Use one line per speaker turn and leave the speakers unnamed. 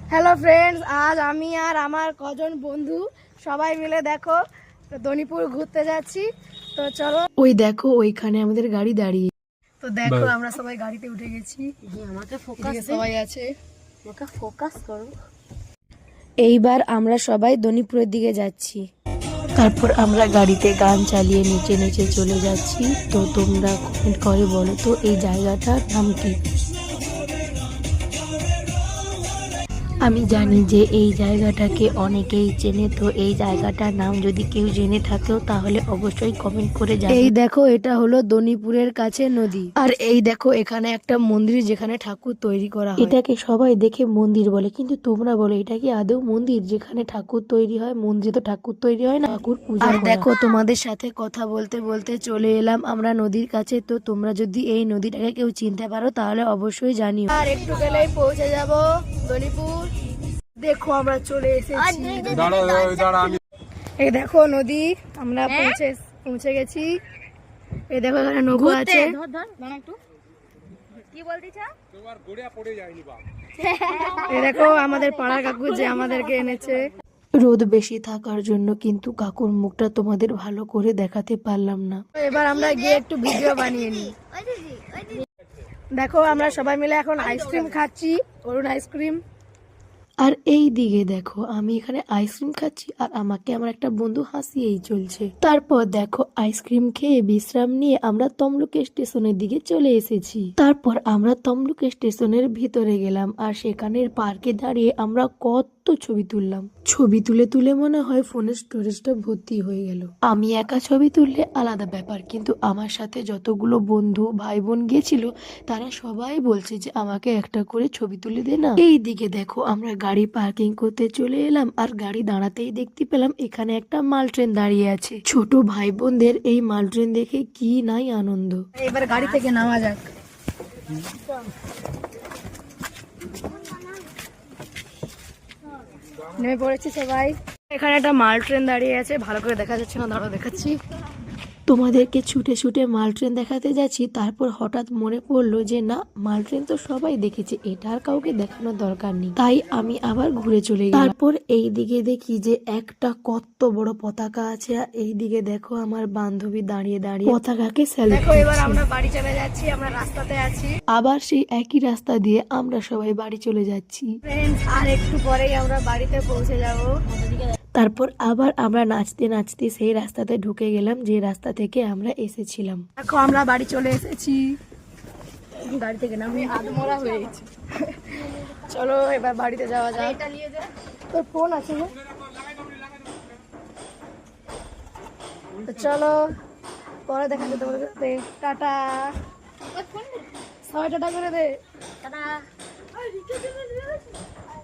Hello friends, আজ আমি আর আমার কজন বন্ধু সবাই মিলে দেখো দনিপুর ঘুরতে যাচ্ছি। তো চলো, ওই দেখো ওইখানে আমাদের গাড়ি দাঁড়িয়ে। তো দেখো আমরা সবাই গাড়িতে উঠে গেছি।
আমাকে ফোকাস
সবাই আছে,
আমাকে ফোকাস করো।
এইবার আমরা সবাই দনিপুরের দিকে যাচ্ছি। তারপর আমরা গাড়িতে গান চালিয়ে নিচে নিচে চলে যাচ্ছি। তো তোমরা কমেন্ট করে বলো তো এই জায়গাটার নাম কি। আমি জানি যে এই জায়গাটাকে অনেকেই চেনে, তো এই জায়গাটার নাম যদি কেউ জেনে থাকেও তাহলে অবশ্যই কমেন্ট করে জানাও। এই দেখো এটা হলো দনিপুরের কাছে নদী, আর এই দেখো এখানে একটা মন্দির যেখানে ঠাকুর তৈরি করা হয়। এটাকে সবাই দেখে মন্দির বলে, কিন্তু তোমরা বলো এটা কি আদৌ মন্দির যেখানে ঠাকুর তৈরি হয়? মন্দিরে তো ঠাকুর তৈরি হয় না, ঠাকুর পূজা করা হয়। দেখো তোমাদের সাথে কথা বলতে বলতে চলে এলাম আমরা নদীর কাছে। তো তোমরা যদি এই নদীটাকে কেউ চিনতে পারো তাহলে অবশ্যই জানিও। আর একটু গেলেই পৌঁছে যাব দনিপুর। দেখো আমরা চলে এসেছি, এই দেখো নদী, আমরা পৌঁছে গেছি। এই দেখো এখানে নৌকো আছে। এই দেখো আমাদের পাড়া কাকু যে আমাদেরকে এনেছে। রোদ বেশি থাকার জন্য কিন্তু কাকুর মুখটা তোমাদের ভালো করে দেখাতে পারলাম না। এবার আমরা গিয়ে একটু ভিডিও বানিয়ে নিই। দেখো আমরা সবাই মিলে এখন আইসক্রিম খাচ্ছি, অরুণ আইসক্রিম। আর এই দিকে দেখো আমি এখানে আইসক্রিম খাচ্ছি আর আমাকে আমার একটা বন্ধু হাসিয়েই চলছে। তারপর দেখো আইসক্রিম খেয়ে বিশ্রাম নিয়ে আমরা তমলুক স্টেশনের দিকে চলে এসেছি। তারপর আমরা তমলুক স্টেশনের ভিতরে গেলাম আর সেখানের পার্কে দাঁড়িয়ে আমরা কত ছবি তুললাম। ছবি তুলে তুলে মনে হয় ফোনের স্টোরেজটা ভর্তি হয়ে গেল। আমি একা ছবি তুললে আলাদা ব্যাপার, কিন্তু আমার সাথে যতগুলো বন্ধু ভাই বোন গিয়েছিল তারা সবাই বলছে যে আমাকে একটা করে ছবি তুলে দে না। এই দিকে দেখো আমরা গাড়ি পার্কিং করতে চলে এলাম আর গাড়ি দাঁড়াতেই দেখতে পেলাম এখানে একটা মাল ট্রেন দাঁড়িয়ে আছে। ছোট ভাই বোনদের এই মাল ট্রেন দেখে কি নাই আনন্দ। এবার গাড়ি থেকে নামা যাক। নেমে পড়েছি সবাই। এখানে একটা মাল ট্রেন দাঁড়িয়ে আছে, ভালো করে দেখা যাচ্ছে না, দাঁড়াও দেখাচ্ছি। তোমাদেরকে ছুটে ছুটে মাল ট্রেন দেখাতে যাচ্ছি, তারপর হঠাৎ মনে পড়লো যে না, মাল ট্রেন তো সবাই দেখেছে, এটা আর কাউকে দেখানোর দরকার নেই। তাই আমি আবার ঘুরে চলে গেলাম। তারপর এই দিকে দেখি যে একটা কত বড় পতাকা আছে, আর এই দিকে দেখো আমার বান্ধবী দাঁড়িয়ে দাঁড়িয়ে পতাকাকে স্যালুট করছে। দেখো এবার আমরা বাড়ি চলে যাচ্ছি, আমরা রাস্তাতে আছি। আবার সেই একই রাস্তা দিয়ে আমরা সবাই বাড়ি চলে যাচ্ছি। ফ্রেন্ডস, আর একটু পরেই আমরা বাড়িতে পৌঁছে যাব। তারপর আবার আমরা নাচতে নাচতে সেই রাস্তাতে ঢুকে গেলাম যে রাস্তা থেকে আমরা এসেছিলাম। দেখো আমরা বাড়ি চলে এসেছি, গাড়ি থেকে নামি আধমরা হয়ে গেছি। চলো এবার বাড়িতে যাওয়া যাক। তোর ফোন আছে না? তো চলো পরে দেখা যেতে পারে। টাটা, সবাই টাটা করে দে।